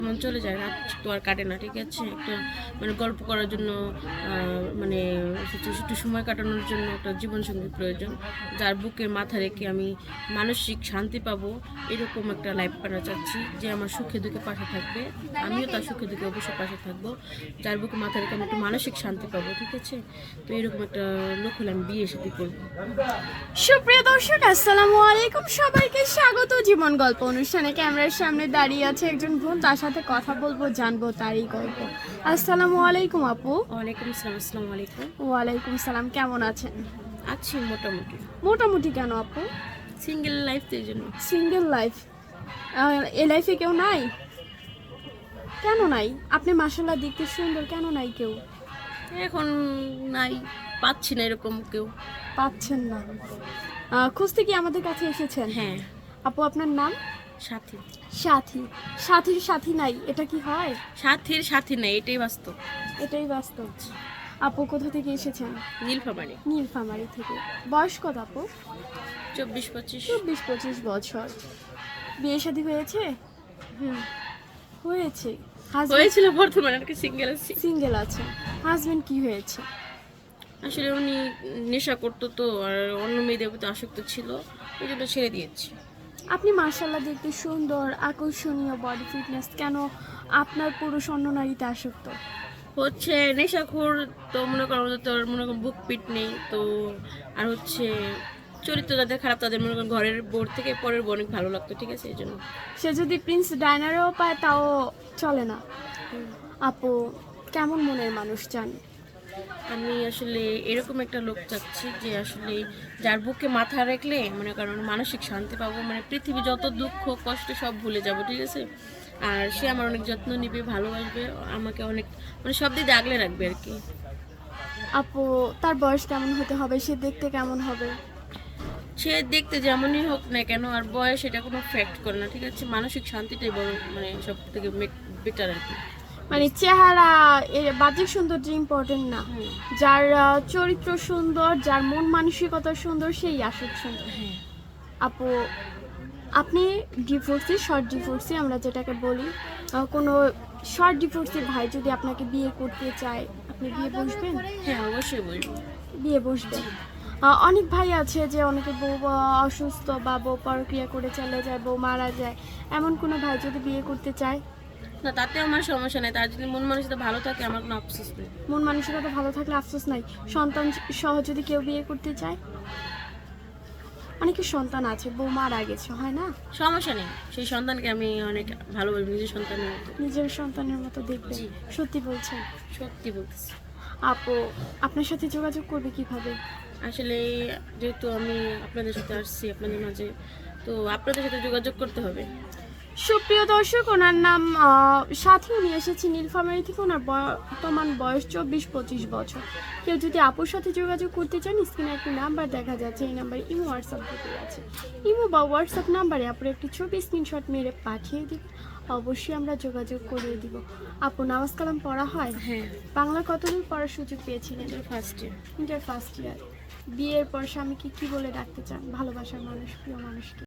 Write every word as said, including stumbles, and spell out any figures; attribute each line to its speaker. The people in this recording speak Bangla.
Speaker 1: মন চলে যায়, রাত তো আর কাটে না, ঠিক আছে? একটা মানে গল্প করার জন্য মানে একটু সময় কাটানোর জন্য একটা জীবনসঙ্গী প্রয়োজন, যার বুকের মাথা রেখে আমি মানসিক শান্তি পাবো, এরকম একটা লাইফ পার্টনার চাচ্ছি, যে আমার সুখে দুঃখে পাশে থাকবে, আমিও তার সুখে দুঃখে অবশ্যই পাশে থাকবো, যার বুকে মাথা রেখে আমি একটু মানসিক শান্তি পাবো, ঠিক আছে? তো এরকম একটা লোক হলে আমি বিয়ে সাথে করবো।
Speaker 2: সুপ্রিয় দর্শক, আসসালামু আলাইকুম। সবাইকে স্বাগত জীবন গল্প অনুষ্ঠানে। ক্যামেরার সামনে দাঁড়িয়ে আছে একজন বোন, তার সাথে কথা বলবো, জানবো তারই গল্প। আসসালামু আলাইকুম আপু।
Speaker 1: ওয়ালাইকুম আসসালাম। আসসালামু আলাইকুম।
Speaker 2: ওয়ালাইকুম সালাম। কেমন আছেন?
Speaker 1: আছি মোটামুটি।
Speaker 2: মোটামুটি কেন আপু?
Speaker 1: সিঙ্গেল লাইফ তো এই জন্য।
Speaker 2: Single life? এ লাইফে কেউ নাই? কেন নাই? আপনি মাশাআল্লাহ দেখতে সুন্দর, কেন নাই কেউ?
Speaker 1: এখন নাই, পাচ্ছি না এরকম কেউ।
Speaker 2: পাচ্ছেন না? আহ, খুঁজতে কি আমাদের কাছে এসেছেন?
Speaker 1: হ্যাঁ।
Speaker 2: আপু আপনার নাম?
Speaker 1: সাথী।
Speaker 2: সাথী। সাথীর সাথী নাই, এটা কি হয়?
Speaker 1: সাথীর সাথী নাই, এটাই বাস্তব।
Speaker 2: এটাই বাস্তব। আপু কোথা থেকে এসেছেন?
Speaker 1: নীলফামারী।
Speaker 2: নীলফামারী থেকে। বয়স কত আপু?
Speaker 1: চব্বিশ পঁচিশ।
Speaker 2: চব্বিশ পঁচিশ বছর। বিয়ে শাদী হয়েছে?
Speaker 1: হুম,
Speaker 2: হয়েছে।
Speaker 1: হয়েছিল, বর্তমানে আর কি সিঙ্গেল আছি।
Speaker 2: সিঙ্গেল আছে। হাজবেন্ড কি হয়েছে?
Speaker 1: আসলে উনি নেশা করতো, তো আর অন্য মেয়েদের প্রতি আসক্ত ছিল, ওই জন্য ছেড়ে দিয়েছি।
Speaker 2: আপনি মাশাআল্লাহ দেখতে সুন্দর, আকর্ষণীয়, বডি ফিটনেস, কেন আপনার পুরুষ অন্য নারীতে আসক্ত?
Speaker 1: হচ্ছে নেশাখোর, তো মনে করো আমাদের তো আর মনে করো বুক পিট নেই তো, আর হচ্ছে চরিত্র যাদের খারাপ তাদের মনে করো ঘরের বোর থেকে পরের বোর অনেক ভালো লাগতো, ঠিক আছে? এই জন্য।
Speaker 2: সে যদি প্রিন্স ডাইনারেও পায় তাও চলে না? আপু কেমন মনের মানুষ চান?
Speaker 1: আমি আসলে এরকম একটা লোক চাচ্ছি, যে আসলে যার বুকে মাথা রাখলে মনে করেন মানসিক শান্তি পাবো, মানে পৃথিবী যত দুঃখ কষ্ট সব ভুলে যাব, ঠিক আছে? আর সে আমার অনেক যত্ন নিবে, ভালোবাসবে, আমাকে অনেক মানে সব দিকে আগলে রাখবে আর কি।
Speaker 2: আপু তার বয়স কেমন হতে হবে? সে দেখতে কেমন হবে?
Speaker 1: সে দেখতে যেমনই হোক না কেন, আর বয়স এটা কোনো ফ্যাক্ট করে না, ঠিক আছে? মানসিক শান্তিটাই বড়, মানে সব থেকে বেটার আর কি।
Speaker 2: মানে চেহারা, এর বাহ্যিক সৌন্দর্য ইম্পর্টেন্ট না, যার আহ, চরিত্র সুন্দর, যার মন মানসিকতা সুন্দর, সেই আসল সুন্দর।
Speaker 1: হ্যাঁ।
Speaker 2: আপু আপনি ডিভোর্সি, শর্ট ডিভোর্সি আমরা যেটাকে বলি, আহ, কোনো শর্ট ডিভোর্সি ভাই যদি আপনাকে বিয়ে করতে চায়, আপনি বিয়ে বসবেন?
Speaker 1: হ্যাঁ, অবশ্যই বলবো।
Speaker 2: বিয়ে বসবেন। আহ, অনেক ভাই আছে যে অনেকে বউ আহ, অসুস্থ বা বউ পরক্রিয়া করে চলে যায়, বউ মারা যায়, এমন কোনো ভাই যদি বিয়ে করতে চায়?
Speaker 1: না, তাতে আমার সমস্যা নেই, তার যদি মন মানসিকতা ভালো থাকে আমার কোনো আফসোস নেই।
Speaker 2: মন মানসিকতা ভালো থাকলে আফসোস নাই। সন্তান সহ যদি কেউ বিয়ে করতে চায়? অনেকের সন্তান আছে, বউ মারা গেছে, হয় না?
Speaker 1: সমস্যা নেই, সেই সন্তানকে আমি অনেক ভালোবাসি, নিজের সন্তানের মতো।
Speaker 2: নিজের সন্তানের মতো দেখবে?
Speaker 1: জি।
Speaker 2: সত্যি বলছেন?
Speaker 1: সত্যি বলতেছি।
Speaker 2: আপু আপনার সাথে যোগাযোগ করবে কিভাবে?
Speaker 1: আসলে যেহেতু আমি আপনাদের সাথে আসছি আপনাদের মাঝে, তো আপনাদের সাথে যোগাযোগ করতে হবে।
Speaker 2: সুপ্রিয় দর্শক, ওনার নাম আহ, সাথী। উনি এসেছে নীলফামারী থেকে। ওনার বর্তমান বয়স চব্বিশ পঁচিশ বছর। কেউ যদি আপুর সাথে যোগাযোগ করতে চান, স্ক্রিনে একটি নাম্বার দেখা যাচ্ছে, এই নাম্বারে ইমো হোয়াটসঅ্যাপ দুটোই আছে। ইমো বা হোয়াটসঅ্যাপ নাম্বারে আপনি একটি ছবি স্ক্রিনশট মেরে পাঠিয়ে দিন, অবশ্যই আমরা যোগাযোগ করিয়ে দিব। আপু নামাজ কালাম পড়া হয়?
Speaker 1: হ্যাঁ।
Speaker 2: বাংলা কতদূর পড়ার সুযোগ পেয়েছিলেন?
Speaker 1: First year.
Speaker 2: Inter first year. বিয়ের পর স্বামীকে কি বলে ডাকতে চান? ভালোবাসার মানুষ, প্রিয় মানুষকে?